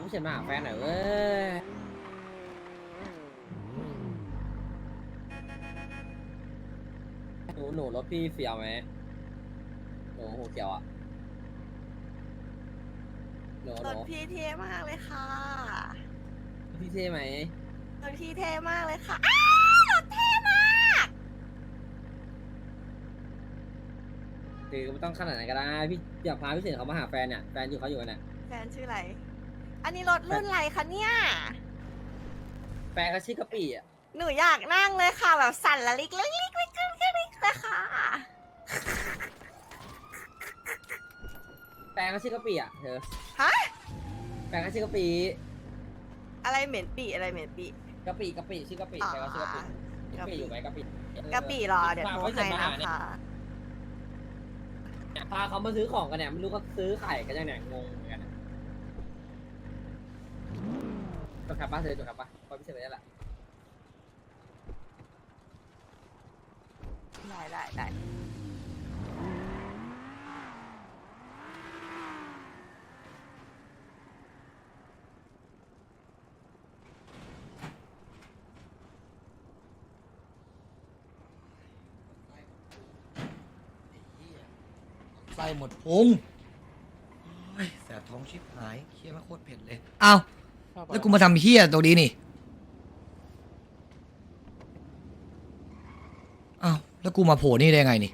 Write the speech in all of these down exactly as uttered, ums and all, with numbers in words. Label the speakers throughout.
Speaker 1: พี่เฉินมาหาแฟนหน่อยเว้ยหนูหนูรถพี่เฟียวไหมหนูหูเขียวอ่ะหนูห
Speaker 2: ร
Speaker 1: นู
Speaker 2: ถพี่เท่มากเลยค่ะ
Speaker 1: พี่เท่ไหม
Speaker 2: รถพี่เท่มากเลยค่ะอ้ารถเท่มาก
Speaker 1: คือไม่ต้องขนาดไหนก็ได้พี่อยากพาพี่เฉินเขามาหาแฟนเนี่ยแฟนอยู่เขาอยู่กันเนี่ย
Speaker 2: แฟนชื่ออะไร อันนี้รถรุ่นอะไรคะเนี่ย
Speaker 1: แฟนเขาชื่อกะปิอ่ะ
Speaker 2: หนูอยากนั่งเลยค่ะ แบบสั่นละลิกลิกลิกลิกลิกลิกเลยค่ะ
Speaker 1: แฟนเขาชื่อกะปิอ่ะเธอ
Speaker 2: ฮะ
Speaker 1: แฟนเขาชื่อกะปิ
Speaker 2: อะไรเหม็นปีอะไรเหม็นปี
Speaker 1: กะปิกะปิชื่อกะปิแฟนเขาชื่อกะปิกะปิอยู่ไหมกะปิ
Speaker 2: กะปิรอเดี๋ยวโทรให้นะคะ
Speaker 1: เนี่ยพาเขามาซื้อของกันเนี่ยไม่รู้เขาซื้อไข่กันยังเนี่ยงงเหมือนกันจดครับป้าเธอจดครับป้าพอพี่เฉินไปได้ละ
Speaker 2: ได้ได้ได้
Speaker 3: ไส้หมดพุงโอ้ยแสบท้องชิบหายเคี้ยวมาโคตรเผ็ดเลยอ้าวแล้วกูมาทำเฮี้ยตัวนี้นี่อ้าวแล้วกูมาโผล่นี่ได้ไงนี่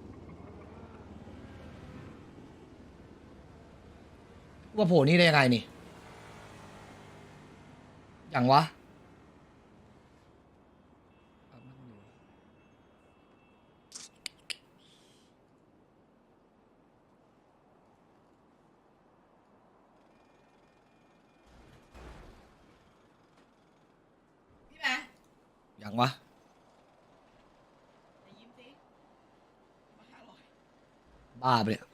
Speaker 3: กูมาโผล่นี่ได้ยังไงนี่อย่างวะอย่างวะบ้าไปเลย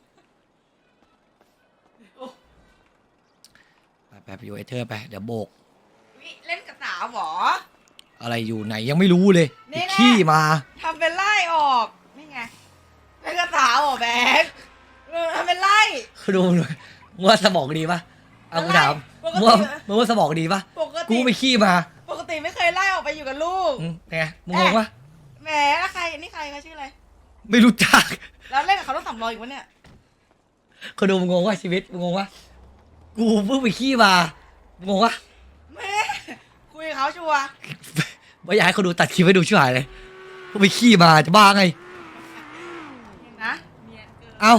Speaker 3: ไปไปไปอยู่ไอเธอไปเดี๋ยวโบก
Speaker 2: เล่นกับสาวหรอ
Speaker 3: อะไรอยู่ไหนยังไม่รู้เลย
Speaker 2: นี่แหละ
Speaker 3: ขี้มา
Speaker 2: ทำเป็นไล่ออก นี่ไงเล่นกับสาวหรอแบกเออทำเป็นไล่
Speaker 3: ดูหน่อยมึงว่าสมองดีปะเอากูถาม
Speaker 2: ปกติ
Speaker 3: มึงว่ามึงว่าสมองดีปะ
Speaker 2: ปก
Speaker 3: กู
Speaker 2: ติ
Speaker 3: ไปขี้มา
Speaker 2: ปกติไม่เคยไล่ออกไปอยู่กับลูก
Speaker 3: อืมไงมึงงงปะ
Speaker 2: แหมแล้วใครนี่ใครเขาชื่ออะไร
Speaker 3: ไม่รู้จัก
Speaker 2: แล้วเล่นกับเขาต้องสำรองอีกวะเนี่ย
Speaker 3: คนดูมึงงงวะชีวิตมึงงงวะกูเพิ่งไปขี้มามึงงงวะ
Speaker 2: แหม่คุยกับเขาชัวร์
Speaker 3: ไม่อยากให้คนดูตัดคลิปให้ดูช่วยเลยเพิ่งไปขี้มาจะบ้าไง
Speaker 2: เห็นนะเนียนเกิน
Speaker 3: เอ้า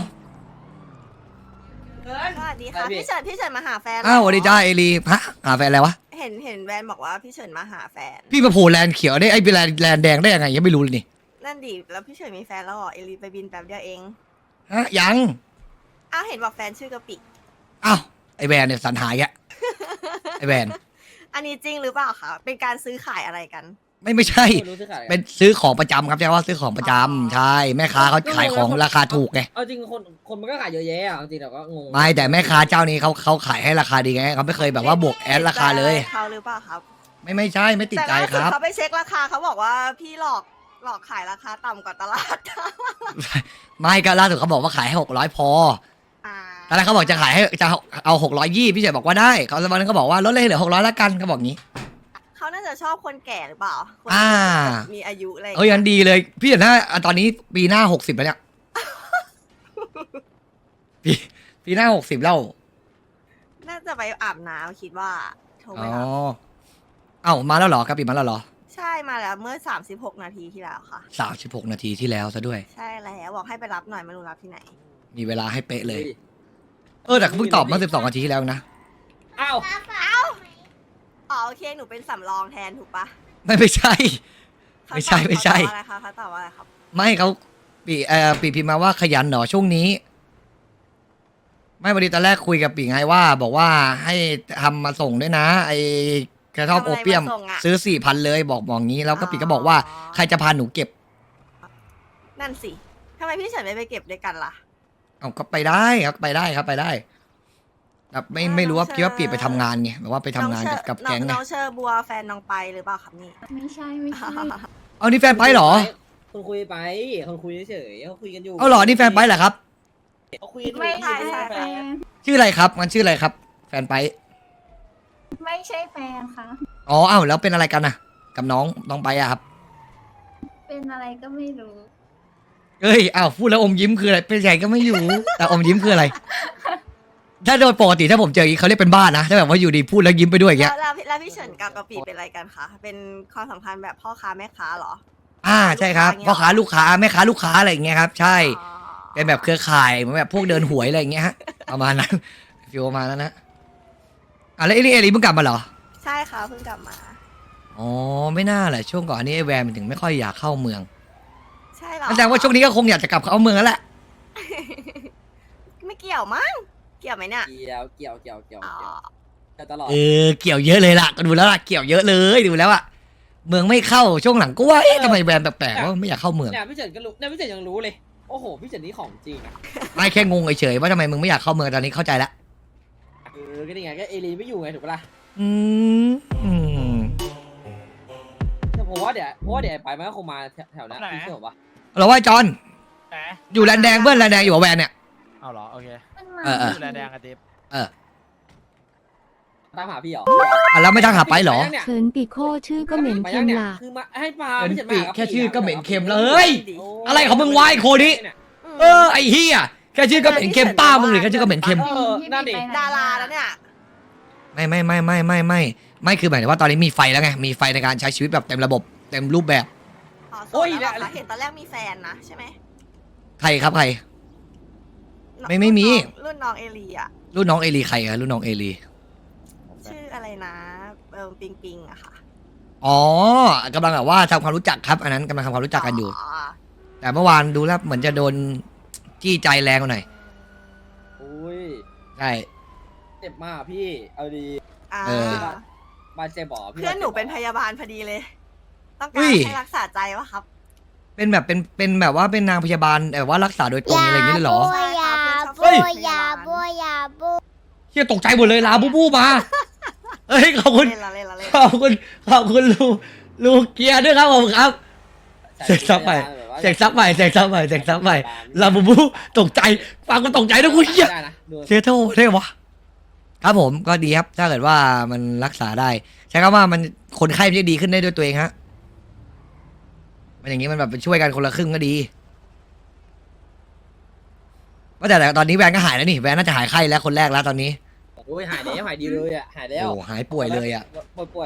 Speaker 2: เกินสวัสดีค่ะพี่เฉินพี่เฉินมาหาแฟน
Speaker 3: เอ้าสวัสดีจ้าเอลีฮะหาแฟนอะไรวะ
Speaker 2: เห็นเห็นแวนบอกว่าพี่เฉินมาหาแฟน
Speaker 3: พี่มาโผล่แลนด์เขียวได้ไอ้เป็นแลนด์แลนด์แดงได้ยังไงยังไม่รู้เลยนี่
Speaker 2: นั่นดิแล้วพี่เฉินมีแฟนแล้วเหรอเอลีไปบินแป๊บเดียวเอง
Speaker 3: ฮะยัง
Speaker 2: อ้าวเห็นบอกแฟนชื่อกะปิ
Speaker 3: เอ้าไอแวนเนี่ยสันหายแกไอแวน
Speaker 2: อันนี้จริงหรือเปล่าคะเป็นการซื้อขายอะไรกัน
Speaker 3: ไม่ไม่ใช่
Speaker 1: ไม่รู้ซื้อขาย
Speaker 3: เป็นซื้อของประจำครับใช่ว่าซื้อของประจำใช่แม่ค้าเขาขายของราคาถูกไง
Speaker 1: เอาจริงคนคนมันก็ขายเยอะแยะอ่ะจริงแต่ก็งง
Speaker 3: ไม่แต่แม่ค้าเจ้านี้เขาเขาขายให้ราคาดีไงเขาไม่เคยแบบว่าบวกแอดราคาเลย
Speaker 2: ติดใจเขาหรือเปล่าครับ
Speaker 3: ไม่ไม่ใช่ไม่ติดใจ
Speaker 2: แต่ล่า
Speaker 3: ค
Speaker 2: สุด
Speaker 3: รับ
Speaker 2: เขาไปเช็คราคาเขาบอกว่าพี่หลอกหลอกขายราคาต่ำกว่าตลาด
Speaker 3: ไม่ก็ล่าสุดเขาบอกว่าขายให้หกร้อยพอ
Speaker 2: อ่า
Speaker 3: ตอนแรกเขาบอกจะขายให้จะเอาหกร้อยยี่พี่เฉยบอกว่าได้เขาสักวันนึงก็บอกว่าลดเลยเหลือหกร้อยละกันเขาบอกงี้
Speaker 2: เขาน่าจะชอบคนแก่หรือเปล่าคน
Speaker 3: อ่า
Speaker 2: มีอายุอะไร
Speaker 3: เอ้ยยันดีเลย พี่เห็นหน้าตอนนี้ปีหน้าหกสิบแล้วเนี่ย ปีปีหน้าหกสิบแล้ว
Speaker 2: น่าจะไปอาบน้ำคิดว่าโทร
Speaker 3: อ๋
Speaker 2: ไป
Speaker 3: อ
Speaker 2: รับ
Speaker 3: เอ้ามาแล้วเหรอกระปิมาแล้วเหรอ
Speaker 2: ใช่มาแล้วเมื่อสามสิบหกนาทีที่แล้วค่ะ
Speaker 3: สามสิบหกนาทีที่แล้วซะด้วย
Speaker 2: ใช่แล้วบอกให้ไปรับหน่อยไม่รู้รับที่ไหน
Speaker 3: มีเวลาให้เป๊ะเลย เออแต่เขาเพิ่งตอบมาสิบสองนาทีที่แล้วนะ
Speaker 1: อ้าว
Speaker 2: อ๋อโอเคหนูเป็นสำรองแทนถูกปะ
Speaker 3: ไม่ไม่ใช่
Speaker 2: เขา
Speaker 3: ไม่ใช่
Speaker 2: ตอบ
Speaker 3: ไม่ใช่
Speaker 2: เขาตอบว่าอะไรคะเขาตอบว่าอะไรครับ
Speaker 3: ไม่เขาปีเอ่อปีพิมพ์มาว่าขยันหนอช่วงนี้ ไม่วันนี้ตอนแรกคุยกับปีไงว่า บอกว่าให้ทำมาส่งด้วยนะ ไอกระท่อม
Speaker 2: ทำ
Speaker 3: โอ
Speaker 2: อะไร
Speaker 3: เปียม
Speaker 2: มาส่งอะ
Speaker 3: ซื้อสี่พันเลยบอกบอกงี้แล้วก็ปีก็บอกว่า
Speaker 2: อ๋อ
Speaker 3: ใครจะพาหนูเก็บ
Speaker 2: นั่นสิทำไมพี่เฉินไม่ไปเก็บด้วยกันล่ะ
Speaker 3: เอาก็ไปได้ครับไปได้ครับไปได้แบบไม่
Speaker 2: อ่า
Speaker 3: ไม่รู้ว่า
Speaker 2: น้อง
Speaker 3: คิดว่า
Speaker 2: เชอร์
Speaker 3: ปีไปทำงานไงแบบว่าไปทำงานกับกับ
Speaker 2: น้อ
Speaker 3: แก๊งไง
Speaker 2: น้องเชอร์บัวแฟนน้องไปหรือเปล่าครับนี่
Speaker 4: ไม่ใช่ไม่ใช่
Speaker 3: เอานี่แฟนไปเหรอ
Speaker 1: คนคุยไปคนคุยเฉยๆเขาคุยกันอยู่
Speaker 3: เอาเหรอนี่แฟนไปเหรอครับ
Speaker 1: เขาคุยกันอยู่
Speaker 4: ไม่ใช่
Speaker 1: ไม่ใช่แฟน
Speaker 3: ชื่ออะไรครับมันชื่ออะไรครับ แฟนไป
Speaker 4: ไม่ใช่แฟนค่ะ
Speaker 3: อ๋ออ้าวแล้วเป็นอะไรกันน่ะ กับน้องน้องไปอะครับ
Speaker 4: เป็นอะไรก็ไม่รู้
Speaker 3: เอ้ยอ้าวพูดแล้วอมยิ้มคืออะไรเป็นใหญ่ก็ไม่อยู่ แต่อมยิ้มคืออะไร ถ้าโดยปกติถ้าผมเจออย่างนี้เขาเรียกเป็นบ้านะถ้าแบบว่าอยู่ดีพูดแล้วยิ้มไปด้วยอย่างเงี้
Speaker 5: แล้
Speaker 3: ยว
Speaker 5: แล้วแล้วพี่เฉินกับกะปิเป็นอะไรกันคะเป็นความสัมพันธ์แบบพ่อค้าแม่ค้าเหรอ
Speaker 3: อ่าใช่ครับ
Speaker 5: ลูกค้า
Speaker 3: พ่อค้าลูกค้าแม่ค้าลูกค้าอะไรอย่างเงี้ยครับ ใช่
Speaker 5: อ๋อ
Speaker 3: เป็นแบบเครือข่ายเหมือนแบบพวกเดินหวยอะไรอย่างเงี้ยฮะประมาณนั้นฟิวประมาณนั้นนะอ่ะแล้วไอ้นี่เอลิเพิ่งกลับมาเหรอ
Speaker 5: ใช่ค่ะเพิ่งกลับมา
Speaker 3: อ๋อไม่น่าแหละช่วงก่อนอันนี้ไอ้แวนมันถึงไม่ค่อยอยากเข้าเมือง
Speaker 5: ใช่เหรอ
Speaker 3: แสดงว่าช่วงนี้ก็คงอยากจะกลับเข้าเมืองแล้วแหละ
Speaker 5: ไม่เกี่ยวมั้งเกี่ยวไหมเนี่ย
Speaker 1: เกี่ยวเกี่ยวเกี่ยวเกี่ยว
Speaker 5: อ๋อ
Speaker 1: เกี่ยวเกี่ยวตลอด
Speaker 3: เออเกี่ยวเยอะเลยล่ะก็ดูแล้วล่ะเกี่ยวเยอะเลยดูแล้วอะเมืองไม่เข้าช่วงหลังก็ว่าเอ๊ะทำไมแวนแปลกๆว่าไม่อยากเข้าเมือง
Speaker 1: เนี่ยพี่เฉินก็รู้เนี่ยพี่เฉินยังรู้เลยโอ้โหพี่เฉินนี่ของจริงอะ
Speaker 3: ไม่แค่งงเฉยๆว่าทำไมมึงไม่อยากเข้าเมืองตอนนี้เข้าใจละ
Speaker 1: เออก็นี่ไงก็เอลีไม่อยู่ไงถูกปะล่ะ
Speaker 3: อืมอืม
Speaker 1: แต่ผมว่าเดี๋ยวเพราะว่าเดี๋ยวไอ้ไปมันก็คงมาแถวๆนั้น
Speaker 6: ไหน
Speaker 1: พี่เชื่อผมปะ
Speaker 3: เราว่าจอน
Speaker 6: แหม
Speaker 3: อยู่แลนแดงเพื่อนแลนแดงอยู่กับแวนเนี่ย
Speaker 6: เอาเหรอ โอเค
Speaker 4: มันมา
Speaker 3: เออเออ
Speaker 6: ดูแลแดงอะติ๊บ
Speaker 3: เออ
Speaker 1: ตามหาพี่เหรอ
Speaker 3: อ่ะแล้วไม่ทักหาไปเหรอ
Speaker 1: ปยังเนี่ย
Speaker 7: เขินปีโคชื่อก็เหม็น
Speaker 1: ไป
Speaker 7: เค็
Speaker 1: ยัง
Speaker 7: ม
Speaker 1: เนี่ย
Speaker 7: ล่ะ
Speaker 1: คือมาให้ปลา
Speaker 3: เห็น
Speaker 1: พี่เฉิน
Speaker 3: ปี
Speaker 1: มากับ
Speaker 3: แค่ชื่อก็เหม็นเค็ม
Speaker 5: แล้
Speaker 3: แล้ว วเฮ้ย
Speaker 1: โ
Speaker 3: อะไรของมึงวะไอ้โคนี้ เออไอ้เฮียแค่ชื่อก็เหม็นเค็มป้ามึงหรือแค่ชื่อก็เหม็นเค็ม
Speaker 1: เออนั่นดิ
Speaker 5: ดาราแล้วเนี่ย
Speaker 3: ไม่ไม่ไม่ไม่ไม่ไม่ไม่คือหมายถึงว่าตอนนี้มีไฟแล้วไงมีไฟในการใช้ชีวิตแบบเต็มระบบเต็มรูปแบบ
Speaker 5: อ๋อโส
Speaker 1: โอ้
Speaker 5: ด
Speaker 1: ย
Speaker 5: แล้วเหรอ
Speaker 1: แล้ว
Speaker 5: คะเห็นตอนแรกมีแฟนนะใช่ไหม
Speaker 3: ใครครับใคร ไม่ไม่มี
Speaker 5: รุ่นน้องเอลีอะ
Speaker 3: รุ่นน้องเอลีใครอะรุ่นน้องเอลี
Speaker 5: ชื่ออะไรนะเออปิงปิงอะค่ะ
Speaker 3: อ๋อกำลังแบบว่าทำความรู้จักครับ อันนั้นกำลังทำความรู้จักกันอยู่ แต่เมื่อวานดูแล้วเหมือนจะโดนจี้ใจแรงกว่าหน่อย
Speaker 1: อุ้ย
Speaker 3: ใช่
Speaker 1: เจ็บมากพี่เอาดี
Speaker 5: อ่า
Speaker 3: เออ
Speaker 1: บาดเจ็บบ่พี่
Speaker 5: เพื่อนหนูเป็นพยาบาลพอดีเลย ต้อง
Speaker 3: อุ้
Speaker 5: การ
Speaker 3: ย
Speaker 5: ให้รักษาใจวะครับ
Speaker 3: เป็นแบบเป็นเป็นแบบว่าเป็นนางพยาบาลแบบว่ารักษาโดยตรงอะไรอย่างนี้เลยเหรอ
Speaker 5: ใช่ครับ
Speaker 3: เฮ้
Speaker 5: เพื่อน
Speaker 3: ย
Speaker 5: ชอบพยาบาล
Speaker 4: ยาบู
Speaker 3: เฮียตกใจหมดเลยลาบูบูมาเฮ้ยขอบคุณ
Speaker 5: เล่นละเล่นละเล่น
Speaker 3: ขอบคุณขอบคุณลูลูเกียร์ด้วยครับผมครับ เสกซับใหม่เสกซับใหม่เสกซับใหม่เสกซับใหม่ลาบูบูตกใจฟังก็ตกใจด้วยกูเฮีย
Speaker 1: ได้นะดู
Speaker 3: เซโทได้วะครับผมก็ดีครับ ถ้าเกิดว่ามันรักษาได้ ใช้คำว่ามันคนไข้มันจะดีขึ้นได้ด้วยตัวเองฮะมันอย่างนี้มันแบบเป็นช่วยกันคนละครึ่งก็ดีว่าแต่แต่ตอนนี้แวนก็หายแล้วนี่แวนน่าจะหายไข้แล้วคนแรกแล้วตอนนี้
Speaker 1: โอ้ยหายแล้วหายดีเลยอ่ะหายแล้ว
Speaker 3: โอ้หายป่วยเลยอ่ะ
Speaker 1: ป่วยป่วย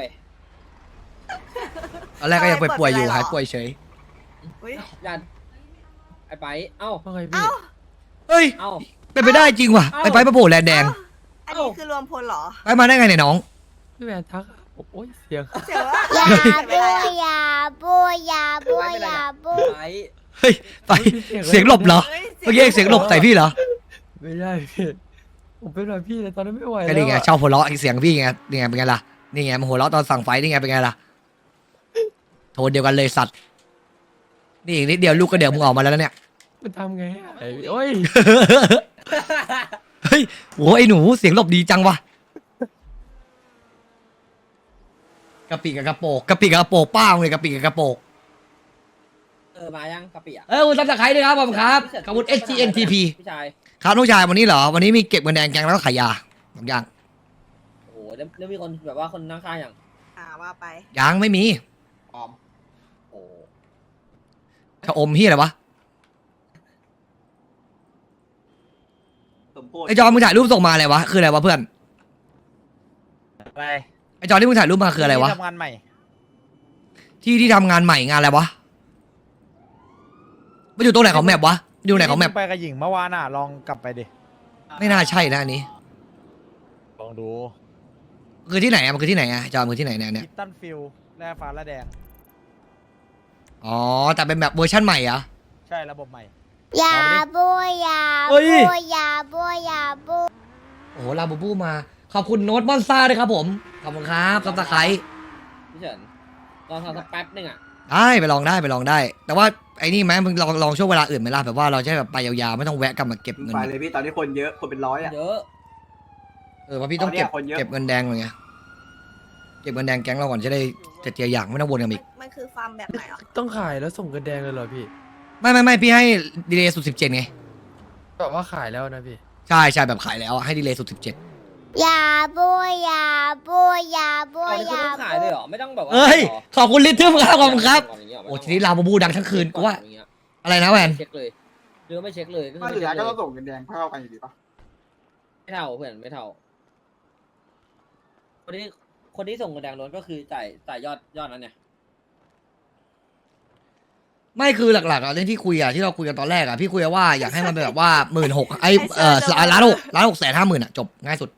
Speaker 3: ตอนแรกก็ยังป่วยๆอยู่หายป่วยเฉย
Speaker 5: อุ้ย
Speaker 1: ยันไอ้ไปเอ้า
Speaker 6: ว่าไงพี่
Speaker 5: เอ้า
Speaker 3: เฮ้ย
Speaker 1: เอ้า
Speaker 3: เป็นไปได้จริงว่ะ
Speaker 1: เอ้า
Speaker 3: ไปไปมาโผล่แลนแดง
Speaker 5: อันนี้คือรวมพลเหรอ
Speaker 3: ไปมาได้ไงเนี่ยน้อง
Speaker 6: พี่แวนทักโอ้ยเสียง
Speaker 5: เจ๋อว่ะ
Speaker 4: ยา
Speaker 5: ไม่
Speaker 4: บู
Speaker 5: เป็นไรอะ
Speaker 4: ยาบูยาบูยาบู
Speaker 1: ไป
Speaker 3: เฮ้ยไปเสียงหลบเหรอ
Speaker 5: เฮ้ย
Speaker 3: เมื่อกี้เสียงหลบใส่พี่เหรอ
Speaker 6: ไม่ได้พี่ ผมเป็นแบบพี่เลยตอนนั้นไม่ไหว
Speaker 3: ก็
Speaker 6: แล้ว
Speaker 3: นี่ไง
Speaker 6: อะ
Speaker 3: ชอบหัวเราะเสียงพี่ไงนี่ไงเป็นไงล่ะนี่ไงมันหัวเราะตอนสั่งไฟนี่ไงเป็นไงล่ะโทนเดียวกันเลยสัตว์นี่อีกนิดเดียวลูกก็เดี๋ยวมึงออกมาแล้วนะเนี่ย
Speaker 6: มันทำไงอะไอ้โอ้ย
Speaker 3: เฮ้ยโหไอ้หนูเสียงหลบดีจังวะกะปิกับกระโปกกะปิกับกระโปกป้าเลยกะปิกับกระโปก
Speaker 1: เออมายังกะปิอ่ะ
Speaker 3: เออคุณซับสไครต์ด้วยครับผมครับขอบคุณ S G N T P
Speaker 1: พี่ชาย
Speaker 3: ครับน้องชายวันนี้เหรอวันนี้มีเก็บเงินแดงแกงแล้วก็ขายยาสองอย่าง
Speaker 1: โอ้โหแล้วแล้วมีคนแบบว่าคนนั่งข้างอย่าง
Speaker 5: อ่าว่าไป
Speaker 3: ยังไม่มี
Speaker 1: ออมโอ้
Speaker 3: ชะอมเฮียอะไรวะ
Speaker 8: สมโพธิ
Speaker 3: ไอจอมึงถ่ายรูปส่งมาอะไรวะคืออะไรวะเพื่อน
Speaker 6: อะไร
Speaker 3: ไอจอที่มึงถ่ายรูปมาคืออะไรวะ
Speaker 6: ที่ทำงานใหม่
Speaker 3: ที่ที่ทำงานใหม่งานอะไรวะมันอยู่ตรงไหนของแมปวะอยู่ไหนของแมป
Speaker 6: ไปกับหญิงเมื่อวานอ่ะ ลองกลับไปดิ
Speaker 3: ไม่น่าใช่นะอันนี้
Speaker 6: ลองดู
Speaker 3: คือที่ไหนอะมันคือที่ไหนอะจอมันคือที่ไหนเนี่ยเนี่ย
Speaker 6: คิตตันฟิลแร่ฟ้าแร่แดง
Speaker 3: อ๋อแต่เป็นแบบเวอร์ชั่นใหม่เหรอะ
Speaker 6: ใช่ระบบใหม่
Speaker 4: ยาบูยา
Speaker 3: เฮ้
Speaker 4: บู
Speaker 3: ย
Speaker 4: ยาบูยาบู
Speaker 3: โอ้โหลาบูบูมาขอบคุณโน้ตมอนซ่าด้วยครับผมขอบคุณครับซับสไครต์
Speaker 1: พี่เฉินลองทำสักแป๊บนึงอ่ะ
Speaker 3: ได้ไปลองได้ไปลองได้ แต่ว่าไอ้นี่ไหมมึงลองลองช่วงเวลาอื่นไหมล่ะแบบว่าเราจะได้แบบไปยาวๆไม่ต้องแวะกลับมาเก็บเงิน
Speaker 8: ไปเลยพี่ตอนนี้คนเยอะคนเป็นร้อยอ่ะ
Speaker 1: เยอะ
Speaker 3: เออเพราะพี่ต้องเก็บ
Speaker 8: ตอนเนี้ยคนเยอะ
Speaker 3: เก็บเงินแดงเลยไงเก็บเงินแดงแก๊งเราก่อนจะได้จะเจียอย่างไม่ต้องวนกันอีก
Speaker 5: มันคือฟาร์มแบบไหนอ่ะ
Speaker 6: ต้องขายแล้วส่งกระแดงเลยเหรอพี่
Speaker 3: ไม่ไม่ไม่พี่ให้ดีเลย์สุดสิบเจ็ดไง
Speaker 6: แบบว่าขายแล้วนะพี่
Speaker 3: ใช่ใช่แบบขายแล้วให้ดีเลย์สุดสิบเจ็ด
Speaker 4: ยาบูยาบูยาบู
Speaker 1: เอานี่คุณ
Speaker 4: ยา
Speaker 1: ต้องขายเลยเหรอไม่ต้องแบบว่า
Speaker 3: เอ้ย
Speaker 1: หรอ
Speaker 3: ขอบคุณลิทเทิลครับขอบคุณครับ
Speaker 1: ย่างเงี้ย
Speaker 3: โอ้ทีนี้ลาบูบูดังทั้งคืนกูว่า
Speaker 1: อย่างเงี้ย
Speaker 3: อะไรนะแวน
Speaker 1: เช็คเลยหรือว่าไม่เช็คเลยก็คือ
Speaker 8: ถ้า
Speaker 1: ไม่
Speaker 8: เหลื
Speaker 1: เช็
Speaker 8: อ
Speaker 1: ค
Speaker 8: ก็
Speaker 1: เล
Speaker 8: ต้อย งส่งเงินแดงเท่ากันอยู่ดีปะ
Speaker 1: ไม่เท่าเพื่อนไม่เท่า คนที่คนที่ส่งเงินแดงล้วนก็คือจ่ายจ่ายยอดยอดนั้นเนี่ย
Speaker 3: ไม่คือหลักๆอะเรื่องที่คุยอะที่เราคุยกันตอนแรกอะพี่คุยว่าอยากให้มันเป็นแบบว่าหมื่นหกไอเออล้านหกล้านหกแสนห้าหมื่นอะจบง่ายสุด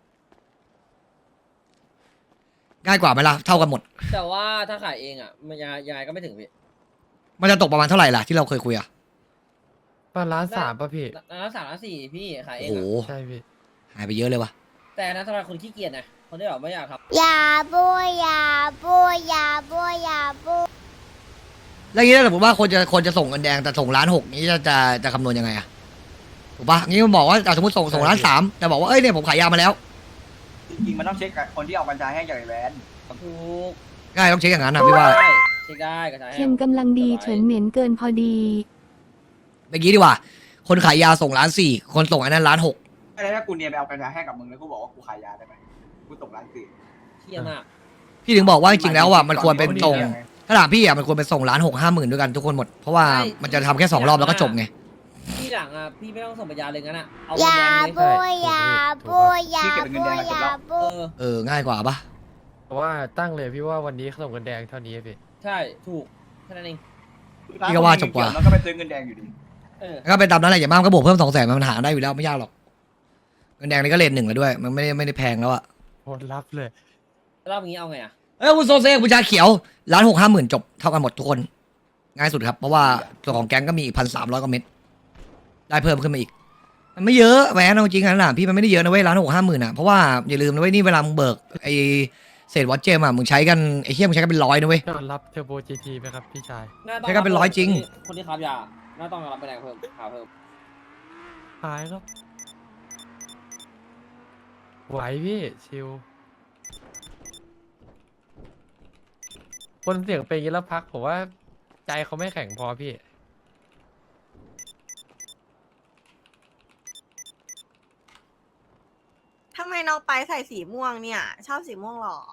Speaker 3: ง่ายกว่าไหมล่ะเท่ากันหมด
Speaker 1: แต่ว่าถ้าขายเองอ่ะมันยังยังไงก็ไม่ถึงพี่
Speaker 3: มันจะตกประมาณเท่าไหร่ล่ะที่เราเคยคุยอะ
Speaker 6: ประมาณล้านสามป่ะพี่
Speaker 1: ล้านสามล้านสี่พี่ขายเอ
Speaker 3: โอ้
Speaker 1: ง
Speaker 3: โห
Speaker 1: อ่ะ
Speaker 6: ใช่พี่
Speaker 3: หายไปเยอะเลยวะ
Speaker 1: แต่นะสำหรับคนขี้เกียจนะคนที่แบบไม่อยากท
Speaker 4: ยาบูยาบูยาบูยาบู
Speaker 3: แล้วอย่างนี้ถ้าสมมติว่าคนจะคนจะส่งเงินแดงแต่ส่งล้านหกนี้จะจะจะคำนวณยังไงอะถูกปะงี้มันบอกว่าอ่ะสมมติส่งส่งล้านสามแต่บอกว่าเอ้ยเนี่ยผมขายยามาแล้ว
Speaker 8: จริงๆมันต้องเช็คกับคนที่เอากัญชาให้อย่างไอ้แวน
Speaker 1: ำถูก
Speaker 3: ง่ายต้องเช็คอย่างนั้นนะพี่ว่า
Speaker 1: ได้เช็คได้ก็ใช้
Speaker 7: เค็มกำลังดีเฉินเหม็นเกินพอดี
Speaker 3: เมื่อกี้ดีกว่า คนขายยาส่งล้านสี่คนส่งอันนั้นล้านหก
Speaker 8: อะไรถ้ากูเนียนไปเอากัญชาให้กับมึงแล้วกูบอกว่ากูขายยาได้ไหมกูส่งร้านสี่
Speaker 1: เที่ยมาก
Speaker 3: พี่ถึงบอกว่าจริงๆแล้วอ่ะมันควรเป็นส่งถ้าถามพี่อ่ะมันควรเป็นส่งล้านหกห้าหมื่นด้วยกันทุกคนหมดเพราะว่ามันจะทำแค่สองรอบแล้วก็จบไง
Speaker 1: พี่หลังอ่ะพี่ไม่ต้องส่งปัญญาเลยงั้นอ่ะเอา
Speaker 4: ยา
Speaker 1: เงินแดงเลย
Speaker 4: บูยาบูยาบูยาบู
Speaker 1: เออ
Speaker 3: เออง่ายกว่าปะ
Speaker 6: เพราะว่าตั้งเลยพี่ว่าวันนี้ส่งเงินแดงเท่านี้พี่
Speaker 1: ใช่ถูกแค่นั้นเอง
Speaker 3: พี่ก็ว่าจบกว่า
Speaker 8: แล้วก็ไปซื้อเงินแดงอยู่ดี
Speaker 1: เออ
Speaker 3: แล้วก็เป็นตามนั้นแหละอย่ามากก็บวกเพิ่มสองแสนมันหาได้อยู่แล้วไม่ยากหรอกเงินแดงนี่ก็เลทหนึ่งแล้วด้วย มันไม่ได้ไม่ได้แพงแล้วอ่ะ
Speaker 6: โหดรับเลย
Speaker 1: แล้วอย่างนี้เอาไงอ่ะ
Speaker 3: เอ้ยคุณโซเซ่คุณชาเขียวล้านหกห้าหมื่นจบเท่ากันหมดทุกคนง่ายสุดครับเพราะว่าตัวของแก๊งก็มีอีกพันสามร้อยกว่าเม็ดได้เพิ่มขึ้นมาอีก มันไม่เยอะแหวนเอาจริงๆนะพี่มันไม่ได้เยอะนะเว้ยล้านหกห้าหมื่นอ่ะเพราะว่าอย่าลืมนะเว้ยนี่เวลามึงเบิกไอเศษวอตเจมอ่ะมึงใช้กันไอเทียมึงใช้กันเป็นร้อยนะเว้ย
Speaker 6: ยอดรับเทอร์โบจีทีไหมครับพี่ชาย
Speaker 1: น่าต้อง
Speaker 3: ใช้กันเป็นร้อยจริง
Speaker 1: คนที่ค้ายาน่าต้องรับไปแดงเพิ่มหาเพิ่ม
Speaker 6: หายครับ ไหวพี่ ชิว คนเสียงเป็นอย่างนี้แล้วพักผมว่าใจเขาไม่แข็งพอพี่
Speaker 5: ทำไมน้องไปใส่สีม่วงเนี่ย ชอบสีม่วงเหรอ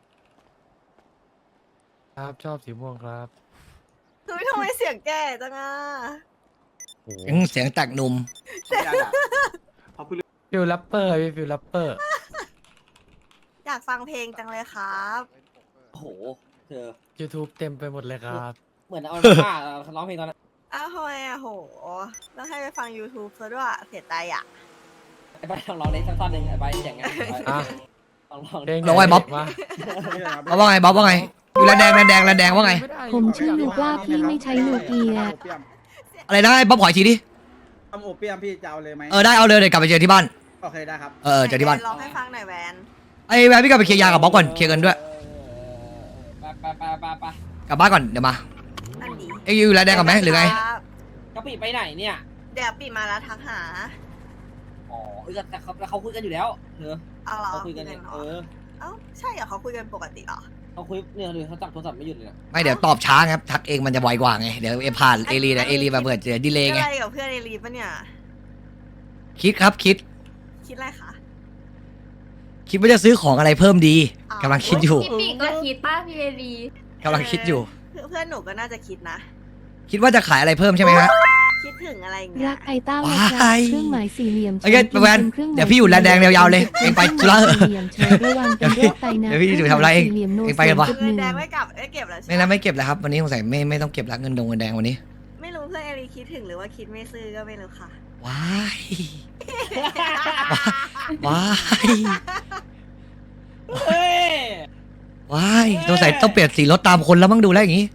Speaker 6: ครับชอบสีม่วงครับ
Speaker 5: คือทำไมเสียงแก่จังอ่ะ
Speaker 6: โอ้โห
Speaker 3: เสียงเสียงแตกหนุ่ม
Speaker 8: ไม่ได้อะเพราะเพิ่ง
Speaker 6: ฟิลแรปเปอร์พี่ฟิลแรปเปอร์
Speaker 5: อยากฟังเพลงจังเลยครับ
Speaker 1: โอ้โหเธอ
Speaker 6: YouTube เต็มไปหมดเลยครับ
Speaker 1: เหมือนเอาผ้าร้องเพลงตอนนั้น
Speaker 5: อ้าวทำไมอ่ะโหต้องให้ไปฟัง YouTube ซะด้วยเสียใจอ่ะ
Speaker 1: ไอ้ใบลองร้องเล่นสักท่อนหนึ่งไอ้ใบอย่างเงี้ย
Speaker 6: อ่ะ
Speaker 1: ลองลอง
Speaker 6: เพลง
Speaker 3: ลองไว้บ๊อบ
Speaker 6: มา
Speaker 3: บ๊อบว่าไงบ๊อบว่าไงอยู่แลนแดงแลนแดงแลนแดงว่าไง
Speaker 7: ผมชื่อลูกว่าพี่ไม่ใช้ลูกเกียร์
Speaker 3: อะไรนะไอ้บ๊อบขออีกทีดิ
Speaker 9: ทำโอเปียมพี่จะเอาเลยไหม
Speaker 3: เออได้เอาเลยเดี๋ยวกลับไปเจอที่บ้าน
Speaker 9: โอเคได้ครับ
Speaker 3: เออเจอที่บ้าน
Speaker 5: ลองให้ฟังหน่อยแวน
Speaker 3: ไอ้แวนพี่กลับไปเคลียร์ยากับบ๊อบก่อนเคลียร์เงินด้วย
Speaker 1: ไปไปไปไปไป
Speaker 3: กลับบ้านก่อนเดี๋ยวมา
Speaker 5: นั่นดี
Speaker 3: เอ้ยอยู่แลนแดงกับไหมหรือไง
Speaker 5: ครับ
Speaker 1: กะปิไปไหนเนี่ย
Speaker 5: เดี๋ยวปีมาแล้วทักหา
Speaker 1: อ๋อเออแต่เขาเขาคุยกันอยู่แล้วเธอ
Speaker 5: เอาเหรอ
Speaker 1: เขาคุยกันเนี่ย
Speaker 5: หร
Speaker 1: เออ
Speaker 5: เอ้าใช่เหรอเขาคุยกันปกติเหรอ
Speaker 1: เขาคุยเนี่ยเลยเขาจับโทรศัพท์ไม่หยุดเลยนะ
Speaker 3: ไม่เดี๋ยวตอบช้าครับทักเองมันจะไวกว่าไงเดี๋ยวเอผ่านเอรีนะเอรีมาเปิดเจอดีเลย์ไง
Speaker 5: อะไรกับเพื่อนในรีปะเนี่ย
Speaker 3: คิดครับคิด
Speaker 5: คิดอะไรคะ
Speaker 3: คิดว่าจะซื้อของอะไรเพิ่มดี
Speaker 5: อ๋อ
Speaker 3: กำลังคิดอยู่
Speaker 4: พี่ปีก็คิดป้าพี่เอรี
Speaker 3: กำลังคิดอยู่
Speaker 5: เพื่อนเพื่อนหนูก็น่าจะคิดนะ
Speaker 3: คิดว่าจะขายอะไรเพิ่มใช่ไหมฮะ
Speaker 5: คิดถึงอะไรอย่างเงี้
Speaker 7: รั
Speaker 5: ย
Speaker 7: กไอต้า
Speaker 3: ว้
Speaker 7: วั
Speaker 3: าย
Speaker 7: ดเครื่องหมายสี่เหลี่ยม
Speaker 3: โอเคแวน
Speaker 7: ครื่องหม
Speaker 3: เดี๋ยวพี่อยู่แลนแดงยาวๆเลยเองไปธุระ
Speaker 7: สี่เหลี่ยมเชิญระวังเป็นโรคไตนะ
Speaker 3: เดี๋ยวพี่อยู่ทำอะไรเอง
Speaker 7: สี่หลี่ยมโน
Speaker 3: เองไปกันปะ
Speaker 7: จุดห
Speaker 5: เงิน
Speaker 7: นึ่ง
Speaker 5: แดงไม่กลับไม่เก็บแล้วใช่
Speaker 3: ไม่
Speaker 5: ไหม
Speaker 3: นะไม่เก็บแล้วครับวันนี้สงสัยไม่ไม่ต้องเก็บละเงินดงเงินแดงวันนี้
Speaker 5: ไม่รู้เพื่อนเอรีคิดถึงหรือว่าคิดไม่ซื้อก็ไม่รู้ค่ะ
Speaker 3: ว้ายว้าย
Speaker 1: เฮ้ย
Speaker 3: ว้ายสงสัยต้องเปลี่ยนสีรถตามคนแล้วมั้งดูแล้วอย่างนี้